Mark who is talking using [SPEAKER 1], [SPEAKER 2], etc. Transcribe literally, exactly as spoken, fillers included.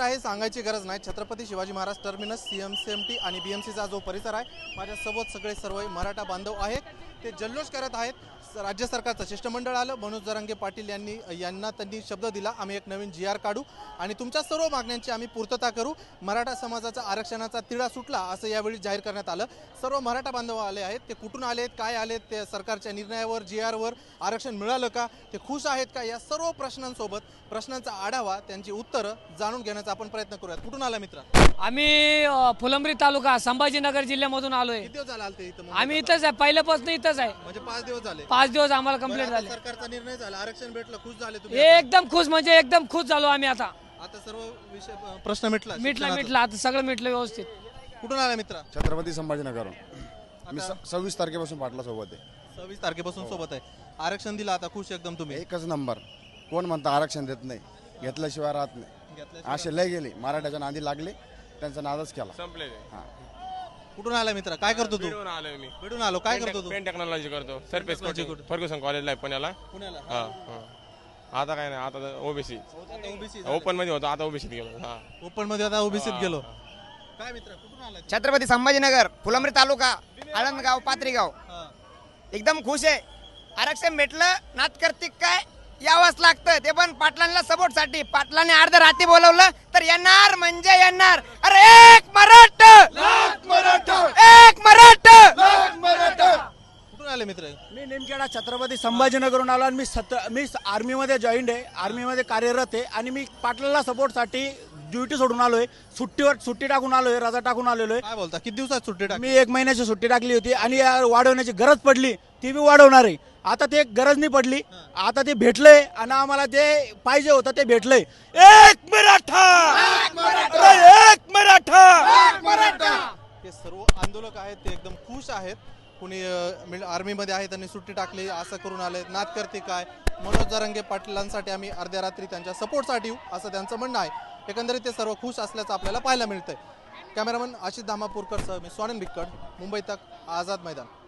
[SPEAKER 1] आहे सांगायची गरज नाही। छत्रपती शिवाजी महाराज टर्मिनस सीएमसीएमटी आणि बीएमसीचा जो परिसर आहे, माझ्यासोबत सगळे सर्व मराठा बांधव आहेत, ते जल्लोष करत आहेत। राज्य सरकारचं शिष्टमंडळ आलं, मनोज जरांगे पाटील यांनी यांना त्यांनी शब्द दिला, आम्ही एक नवीन जी आर काढू आणि तुमच्या सर्व मागण्यांची आम्ही पूर्तता करू। मराठा समाजाचा आरक्षणाचा तिढा सुटला असं यावेळी जाहीर करण्यात आलं। सर्व मराठा बांधव आले आहेत, ते कुठून आलेत, काय आलेत, ते सरकारच्या निर्णयावर जी आरवर आरक्षण मिळालं का, ते खुश आहेत का, या सर्व प्रश्नांसोबत प्रश्नांचा आढावा त्यांची उत्तरं जाणून घेण्याचा आपण प्रयत्न करूयात। कुठून आला मित्र?
[SPEAKER 2] आम्ही फुलंब्री तालुका संभाजीनगर जिल्ह्यामधून आलोय।
[SPEAKER 1] किती दिवस झाला आलते इथं?
[SPEAKER 2] आम्ही इथंच आहे, पहिल्यापासून इथंच आहे।
[SPEAKER 1] म्हणजे पाच दिवस झाले?
[SPEAKER 2] पाच दिवस आम्हाला कंप्लीट झाले।
[SPEAKER 1] सरकारचा निर्णय झाला, आरक्षण भेटलं, खुश झाले तुम्ही?
[SPEAKER 2] एकदम खुश, म्हणजे एकदम खुश झालो आम्ही। आता
[SPEAKER 1] आता सर्व विषय प्रश्न मिटला
[SPEAKER 2] मिटला मिटला आता सगळं मिटलं व्यवस्थित।
[SPEAKER 1] कुठून आला मित्र?
[SPEAKER 3] छत्रपती संभाजीनगर। मी सव्वीस तारखेपासून पाटला सोबत आहे।
[SPEAKER 1] सव्वीस तारखेपासून सोबत आहे, आरक्षण दिलं, आता खुश एकदम तुम्ही?
[SPEAKER 3] एकच नंबर। कोण म्हणतं आरक्षण देत नाही, घेतल्याशिवाय राहत नाही, असे लय गेले, मराठ्याच्या नादी लागले, त्यांचा नादच केला, संपले।
[SPEAKER 1] कुठून आला मित्र? काय करतो तू?
[SPEAKER 4] भेटून आलोय मी।
[SPEAKER 1] भेटून आलो, काय करतो तू?
[SPEAKER 4] पेन टेक्नॉलॉजी करतो, सरफेस कोचिंग फर्ग्युसन कॉलेजला आहे पुण्याला।
[SPEAKER 1] पुण्याला?
[SPEAKER 4] हा हा। आता काय नाही, आता ओबीसी
[SPEAKER 1] ओबीसी
[SPEAKER 4] ओपन मध्ये होतो, आता ओबीसीत गेलो। हा
[SPEAKER 1] ओपन मध्ये आता ओबीसीत गेलो। काय मित्र, कुठून आला?
[SPEAKER 5] छत्रपती संभाजीनगर, फुलंब्री तालुका, आळंदगाव, पात्रीगाव। एकदम खुश आहे, आरक्षण भेटलं, नात करतिक काय यावंच लागतं, ते पण पाटलांना सपोर्ट साठी। पाटलांनी अर्ध रात्री बोलवलं तर येणार म्हणजे येणार। अरे एक मराठा, एक मराठा।
[SPEAKER 1] कुठून आले मित्र?
[SPEAKER 6] मी निमखेडा छत्रपती संभाजीनगरहून आलो आणि मी सत मी आर्मीमध्ये जॉईंड आहे, आर्मीमध्ये कार्यरत आहे आणि मी पाटलाला सपोर्टसाठी ड्युटी सोडून आलोय, सुट्टीवर सुट्टी टाकून आलोय, रजा टाकून आलेलो आहे।
[SPEAKER 1] काय बोलता, किती दिवसात सुट्टी टाकली?
[SPEAKER 6] मी एक महिन्याची सुट्टी टाकली होती आणि वाढवण्याची गरज पडली, ती बी वाढवणार आहे। आता ते गरज नाही पडली, आता ते भेटलंय आणि आम्हाला जे पाहिजे होतं ते भेटलंय। एक मराठा, एक मराठा।
[SPEAKER 1] हे सर्व आंदोलक आहेत, ते एकदम खुश आहेत। कुणी आर्मीमध्ये आहे, त्यांनी सुट्टी टाकली, असं करून आले, नात करते काय। मनोज जरांगे पाटलांसाठी आम्ही अर्ध्या रात्री त्यांच्या सपोर्टसाठी येऊ, असं त्यांचं म्हणणं आहे। एकंदरीत ते सर्व खुश असल्याचं आपल्याला पाहायला मिळतंय। कॅमेरामन आशिष धामापूरकर सह मी स्वानंद भिक्कड, मुंबई तक, आझाद मैदान।